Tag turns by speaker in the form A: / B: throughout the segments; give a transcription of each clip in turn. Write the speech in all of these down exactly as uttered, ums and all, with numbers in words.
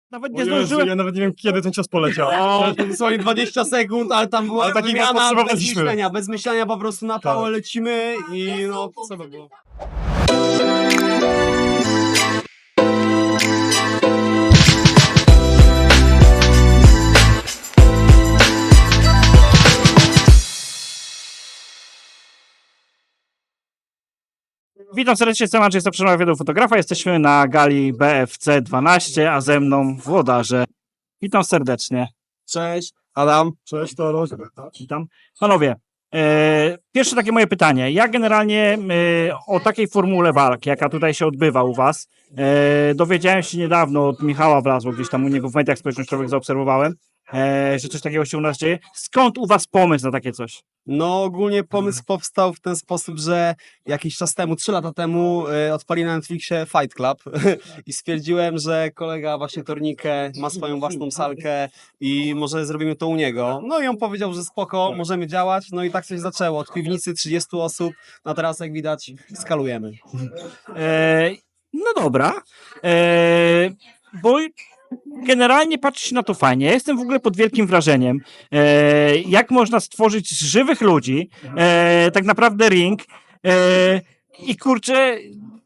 A: Nawet
B: O
A: nie
B: Jezu,
A: zdążyłem.
B: ja nawet nie wiem, kiedy ten czas poleciał.
C: O, to dosłownie dwadzieścia sekund, ale tam była
B: Ale
C: taka
B: takiego
C: wymiana bez
B: potrzebowaliśmy.
C: myślenia, bez myślenia po prostu na
B: Tak.
C: pałę lecimy i no, co to było?
A: Witam serdecznie, jestem Andrzej Stoprzynowicz, wywiadu fotografa. Jesteśmy na gali B F C dwanaście, a ze mną włodarze. Witam serdecznie.
C: Cześć, Adam.
B: Cześć, to Roś.
A: Witam. Panowie, e, pierwsze takie moje pytanie. Ja generalnie e, o takiej formule walk, jaka tutaj się odbywa u was, e, dowiedziałem się niedawno od Michała Wlazło, gdzieś tam u niego w mediach społecznościowych zaobserwowałem, e, że coś takiego się u nas dzieje. Skąd u was pomysł na takie coś?
C: No ogólnie pomysł powstał w ten sposób, że jakiś czas temu, trzy lata temu y, odpali na Netflixie Fight Club i stwierdziłem, że kolega właśnie Tornikę ma swoją własną salkę i może zrobimy to u niego. No i on powiedział, że spoko, możemy działać, no i tak coś zaczęło. Od piwnicy trzydziestu osób, no teraz jak widać skalujemy.
A: E, no dobra, e, bo generalnie patrzy się na to fajnie. Ja jestem w ogóle pod wielkim wrażeniem, e, jak można stworzyć z żywych ludzi e, tak naprawdę ring e, i kurczę,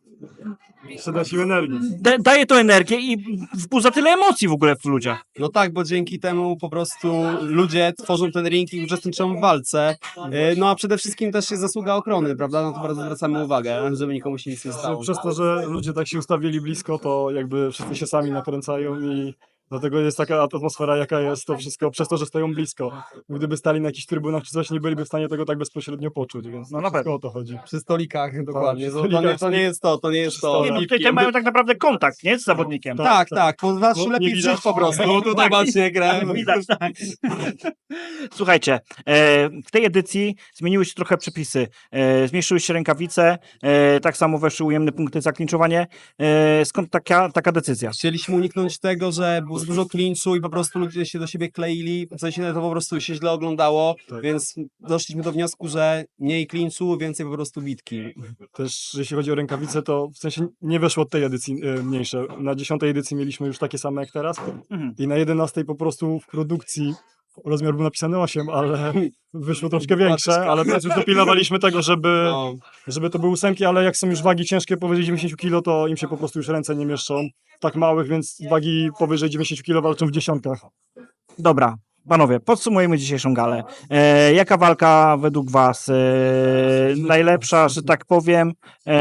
B: Przyda ci energii.
A: da, daje to energię i wzbudza tyle emocji w ogóle w ludziach.
C: No tak, bo dzięki temu po prostu ludzie tworzą ten ring i uczestniczą w walce. Y, No a przede wszystkim też jest zasługa ochrony, prawda? No to bardzo zwracamy uwagę, żeby nikomu się nic nie
B: Że
C: stało.
B: Przez to, że ludzie tak się ustawili blisko, to jakby wszyscy się sami nakręcają i dlatego jest taka atmosfera, jaka jest, to wszystko przez to, że stoją blisko. Gdyby stali na jakichś trybunach czy coś, nie byliby w stanie tego tak bezpośrednio poczuć, więc
A: No na
B: tylko
A: pewno.
B: o to chodzi.
C: Przy stolikach, dokładnie.
B: przy
C: To, to, nie,
B: stolikach.
C: to nie jest to, to nie jest to.
B: Nie,
A: No,
B: no,
A: tutaj te mają tak naprawdę kontakt, nie? Z zawodnikiem.
B: Tak.
C: Tak, tak, po zawsze
B: Bo
C: lepiej
B: nie widać.
C: żyć po prostu. No tutaj
A: Tak.
C: macie grę.
A: Widać, tak. Słuchajcie, e, w tej edycji zmieniły się trochę przepisy. E, zmniejszyły się rękawice, e, tak samo weszły ujemne punkty za klinczowanie. E, skąd taka, taka decyzja?
C: Chcieliśmy uniknąć tego, że było za dużo klinczu i po prostu ludzie się do siebie kleili, w sensie to po prostu się źle oglądało,
B: Tak.
C: więc doszliśmy do wniosku, że mniej klinczu, więcej po prostu bitki.
B: Też jeśli chodzi o rękawice, to w sensie nie weszło od tej edycji e, mniejsze. Na dziesiątej edycji mieliśmy już takie same jak teraz
A: Mhm.
B: i na jedenastej po prostu w produkcji rozmiar był napisany osiem, ale wyszło troszkę większe, ale teraz już dopilnowaliśmy tego, żeby,
C: No.
B: żeby to były ósemki, ale jak są już wagi ciężkie powyżej dziewięćdziesiąt kilo, to im się po prostu już ręce nie mieszczą. Tak małych, więc wagi powyżej dziewięćdziesiąt kilo walczą w dziesiątkach.
A: Dobra, panowie, podsumujemy dzisiejszą galę. E, jaka walka według was e, najlepsza, że tak powiem?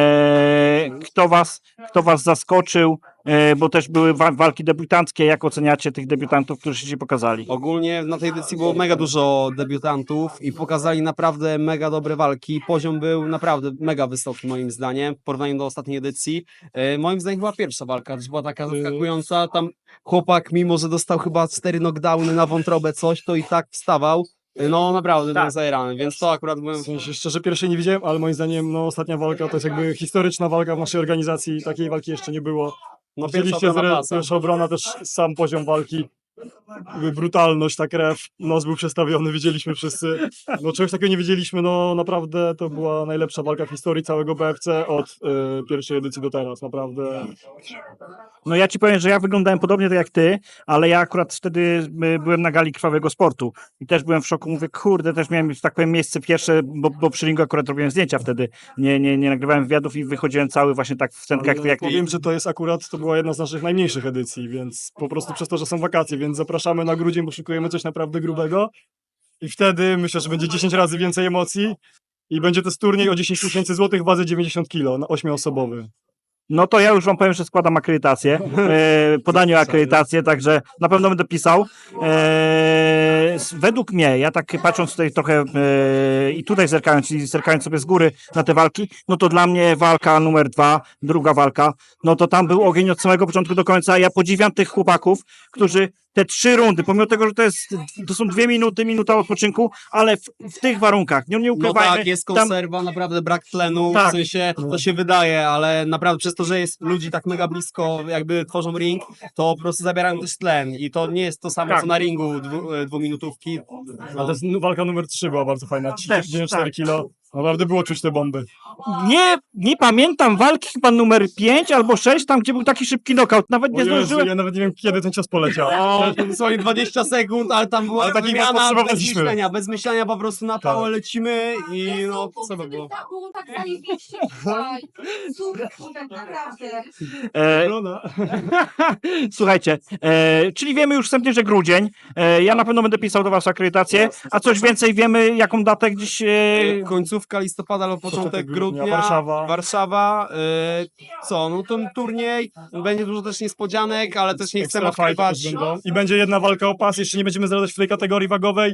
A: E, kto was, kto was zaskoczył? E, bo też były wa- walki debiutanckie. Jak oceniacie tych debiutantów, którzy się pokazali?
C: Ogólnie na tej edycji było mega dużo debiutantów i pokazali naprawdę mega dobre walki. Poziom był naprawdę mega wysoki moim zdaniem w porównaniu do ostatniej edycji. E, moim zdaniem była pierwsza walka, też była taka zaskakująca. Tam chłopak, mimo że dostał chyba cztery knockdowny na wątrobę coś, to i tak wstawał. E, No naprawdę
A: Tak.
C: był zajerany, więc to akurat byłem...
B: W sensie szczerze pierwszej nie widziałem, ale moim zdaniem no, ostatnia walka to jest jakby historyczna walka w naszej organizacji. Takiej walki jeszcze nie było.
C: No pierwsza
B: Widzieliście,
C: obrona
B: zre-
C: pasa.
B: pierwsza obrona, też sam poziom walki. Jakby brutalność, ta krew, nos był przestawiony, widzieliśmy wszyscy. No czegoś takiego nie wiedzieliśmy, no naprawdę to była najlepsza walka w historii całego B F C od y, pierwszej edycji do teraz, naprawdę.
A: No ja ci powiem, że ja wyglądałem podobnie tak jak ty, ale ja akurat wtedy y, byłem na gali Krwawego Sportu i też byłem w szoku. Mówię, kurde, też miałem, że tak powiem, miejsce pierwsze, bo, bo przy ringu akurat robiłem zdjęcia wtedy. Nie, nie, nie nagrywałem wywiadów i wychodziłem cały właśnie tak w centkach
B: Ale
A: jak
B: powiem, że to jest akurat, to była jedna z naszych najmniejszych edycji, więc po prostu przez to, że są wakacje, więc zapraszamy na grudzień, bo szykujemy coś naprawdę grubego i wtedy myślę, że będzie dziesięć razy więcej emocji i będzie to jest turniej o dziesięć tysięcy złotych w wadze dziewięćdziesiąt kilo, na ośmioosobowy.
A: No to ja już wam powiem, że składam akredytację, e, podanie o akredytację, także na pewno będę pisał. E, s- według mnie, ja tak patrząc tutaj trochę e, i tutaj zerkając i zerkając sobie z góry na te walki, no to dla mnie walka numer dwa, druga walka, no to tam był ogień od samego początku do końca. Ja podziwiam tych chłopaków, którzy te trzy rundy, pomimo tego, że to jest, to są dwie minuty, minuta odpoczynku, ale w, w tych warunkach, nie, nie
C: No
A: ukrywajmy,
C: tak, jest
A: tam,
C: konserwa, naprawdę brak tlenu,
A: Tak.
C: w sensie to się wydaje, ale naprawdę przez to, że jest ludzi tak mega blisko, jakby tworzą ring, to po prostu zabierają też tlen i to nie jest to samo
A: Tak.
C: co na ringu dwu, e, dwuminutówki.
B: A to jest nu- walka numer trzy była bardzo fajna,
A: Też,
B: trzydzieści cztery
A: tak.
B: kilo. Naprawdę było czuć te bomby.
A: Nie, nie pamiętam walki chyba numer pięć albo sześć, tam gdzie był taki szybki knockout. Nawet nie
B: O Jezu,
A: zdążyłem.
B: ja nawet nie wiem, kiedy ten czas poleciał.
C: O, dosłownie dwadzieścia sekund, ale tam była
B: Ale takiego
C: wymiana bez
B: potrzebowaliśmy.
C: myślenia, bez myślenia po prostu na pałę
B: Tak.
C: lecimy i no, co by było?
D: Tak było tak zajebiście tutaj. Super, tak naprawdę.
A: E,
B: Żona.
A: Słuchajcie, e, czyli wiemy już wstępnie, że grudzień. E, ja na pewno będę pisał do was akredytację. A coś więcej wiemy, jaką datę gdzieś. E,
C: Końcówka listopada albo początek
B: Początek grudnia,
C: grudnia,
B: Warszawa.
C: Warszawa, y, co, no ten turniej, będzie dużo też niespodzianek, ale też nie chcemy
B: Extra fighty
C: odkrywać.
B: też będą. I będzie jedna walka o pas, jeszcze nie będziemy zdradzać w tej kategorii wagowej,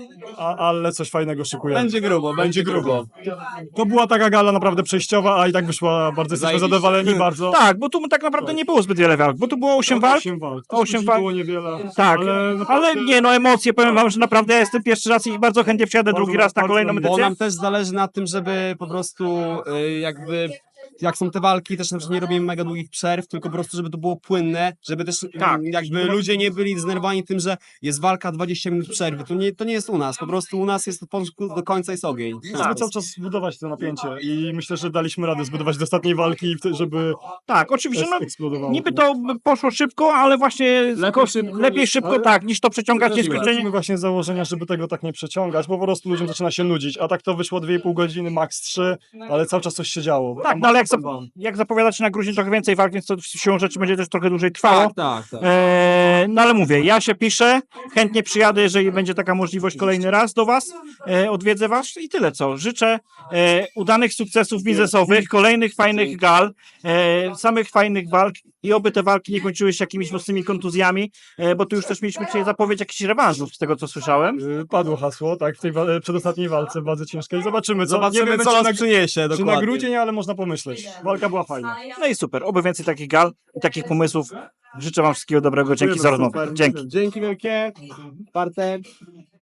B: a, ale coś fajnego szykujemy.
C: Będzie grubo, będzie grubo.
B: To była taka gala naprawdę przejściowa, a i tak wyszła bardzo, jesteśmy
C: Zajebiście.
B: zadowoleni bardzo.
A: tak, bo tu tak naprawdę nie było zbyt wiele walk, bo tu było osiem walk.
B: Osiem walk.
A: Osiem
B: Osiem
A: walk.
B: było niewiele.
A: Tak,
B: ale,
A: ale,
B: naprawdę
A: nie, no emocje, powiem wam, że naprawdę ja jestem pierwszy raz i bardzo chętnie wsiadę
B: Bardzo,
A: drugi raz na
B: bardzo
A: kolejną
B: miło.
C: Bo
A: edycję.
C: nam też zależy na tym, żeby po prostu y, jakby jak są te walki, też na przykład nie robimy mega długich przerw, tylko po prostu, żeby to było płynne, żeby też
A: Tak.
C: mm, jakby ludzie nie byli zdenerwowani tym, że jest walka dwadzieścia minut przerwy. To nie, to nie jest u nas, po prostu u nas jest od początku do końca jest ogień.
B: Chcemy cały czas budować to napięcie i myślę, że daliśmy radę zbudować do ostatniej walki, żeby
A: Tak, oczywiście, no,
B: eksplodowało.
A: niby to poszło szybko, ale właśnie lepiej
C: szybko
A: lepiej
C: niż-
A: szybko
B: ale-
A: tak, niż to przeciągać
C: Zgodziłem.
A: nieskończenie.
B: Wychodzimy właśnie z założenia, żeby tego tak nie przeciągać, bo po prostu ludziom zaczyna się nudzić, a tak to wyszło dwie i pół godziny, max trzy, ale cały czas coś się działo.
A: Tak, no ale jak, zap- jak zapowiadacie na grudzień trochę więcej walk, więc to siłą rzeczy będzie też trochę dłużej trwało.
C: Tak, tak, tak.
A: Eee, no ale mówię, ja się piszę, chętnie przyjadę, jeżeli będzie taka możliwość kolejny raz do was, e, odwiedzę was i tyle co. Życzę e, udanych sukcesów biznesowych, kolejnych fajnych gal, e, samych fajnych walk i oby te walki nie kończyły się jakimiś mocnymi kontuzjami, e, bo tu już też mieliśmy dzisiaj zapowiedź jakichś rewanżów z tego co słyszałem.
B: Yy, Padło hasło, tak, w tej wa- przedostatniej walce, bardzo ciężkiej. Zobaczymy, co,
C: Zobaczymy,
B: nie wiemy,
C: co
B: czy
C: nas
B: na,
C: przyniesie,
B: czy na
C: dokładnie.
B: grudzień, ale można pomyśleć. Walka była fajna.
A: No i super, oby więcej takich gal i takich pomysłów. Życzę wam wszystkiego dobrego, dzięki za rozmowę. Dzięki.
C: Dzięki wielkie, Bartek.